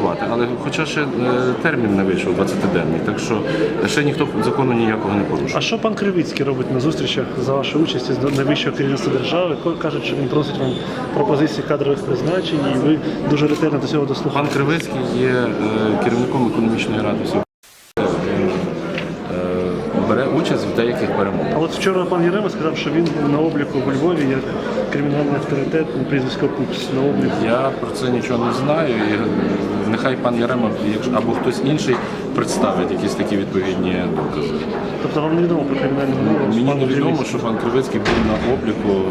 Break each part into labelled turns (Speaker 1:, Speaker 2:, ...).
Speaker 1: працювати. Але хоча ще термін не вийшов 20-денний, так що ще ніхто закону ніякого не порушує.
Speaker 2: А що пан Кривицький робить на зустрічах за вашою участі з найвищого керівництва держави? Кажуть, що він просить вам пропозиції кадрових призначень, і ви дуже ретельно до цього дослухаєте.
Speaker 1: Пан Кривицький є керівником економічної ради всього. Бере участь в деяких перемовах.
Speaker 2: А от вчора пан Ярема сказав, що він на обліку у Львові як кримінальний авторитет, прізвисько Пупс на обліку.
Speaker 1: Я про це нічого не знаю. І нехай пан Ярема або хтось інший представить якісь такі відповідні докази.
Speaker 2: Тобто вам не відомо про кримінальну мову?
Speaker 1: Мені не відомо, що пан Кривицький був на обліку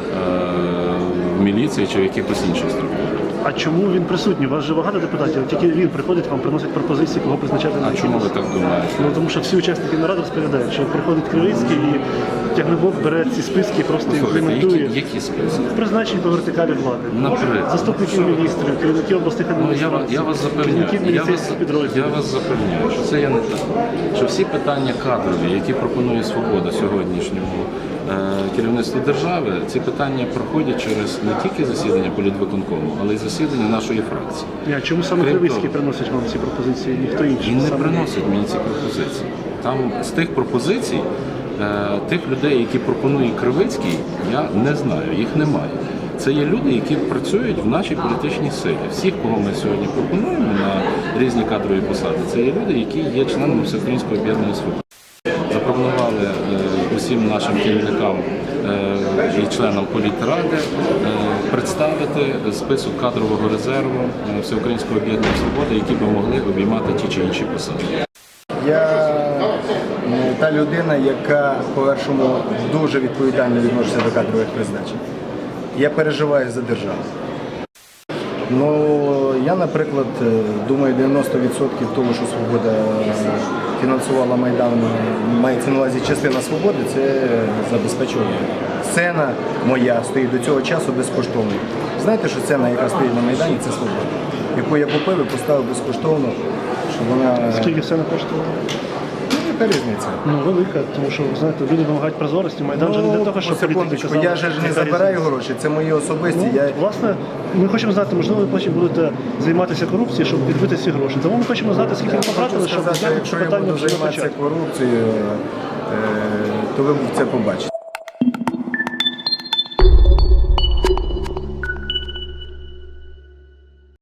Speaker 1: в міліції чи в якихось інших структурах.
Speaker 2: А чому він присутній? У вас же багато депутатів, тільки він приходить, вам приносить пропозиції, кого призначати на
Speaker 1: А чому ви так думаєте?
Speaker 2: Ну, тому що всі учасники наради розповідають, що приходить Кривицький і Тягнебок бере ці списки і просто імплементує.
Speaker 1: Які списки?
Speaker 2: Призначень по вертикалі влади.
Speaker 1: Наприклад.
Speaker 2: Заступників міністрів, керівників обласних адміністрацій.
Speaker 1: Я вас запевняю,
Speaker 2: керівників міліцейських підрозділів.
Speaker 1: я вас запевняю, що це є не так. Що всі питання кадрові, які пропонує «Свобода» сьогоднішньому керівництву держави, ці питання проходять через не тільки засідання політвиконкому, але й засідання нашої фракції.
Speaker 2: А чому саме Кривицький приносить вам ці пропозиції, ніхто інший?
Speaker 1: Він не приносить мені ці пропозиції. Там з тих пропозицій, тих людей, які пропонує Кривицький, я не знаю, їх немає. Це є люди, які працюють в нашій політичній силі. Всіх, кого ми сьогодні пропонуємо на різні кадрові посади, це є люди, які є членами Всеукраїнського об'єднання «Свобода». Запропонували усім нашим керівникам і членам політради представити список кадрового резерву Всеукраїнського об'єднання «Свобода», які би могли обіймати ті чи інші посади.
Speaker 3: Я та людина, яка, по-першому, дуже відповідально відноситься до кадрових призначень. Я переживаю за державу. Ну, я, наприклад, думаю, 90% того, що «Свобода» фінансувала Майдан, мається на увазі частина «Свободи», це забезпечувала. Сцена моя стоїть до цього часу безкоштовно. Знаєте, що сцена, яка стоїть на Майдані, це «Свобода», яку я купив і поставив безкоштовно, щоб вона...
Speaker 2: Скільки все не коштувало?
Speaker 3: Яка різниця?
Speaker 2: Ну, велика, тому що, знаєте, люди вимагають прозорості. Майдан же не для того, щоб політики казали.
Speaker 3: Я же не забираю гроші, це мої особисті.
Speaker 2: Ну, власне, ми хочемо знати, можливо, ви потім будете займатися корупцією, щоб відбити ці гроші. Тому ми хочемо знати, скільки ви потратили, щоб
Speaker 3: сказати,
Speaker 2: зняти
Speaker 3: якщо
Speaker 2: це
Speaker 3: я
Speaker 2: питання
Speaker 3: буду
Speaker 2: вже на
Speaker 3: займатися
Speaker 2: початку.
Speaker 3: корупцією, то ви це побачите.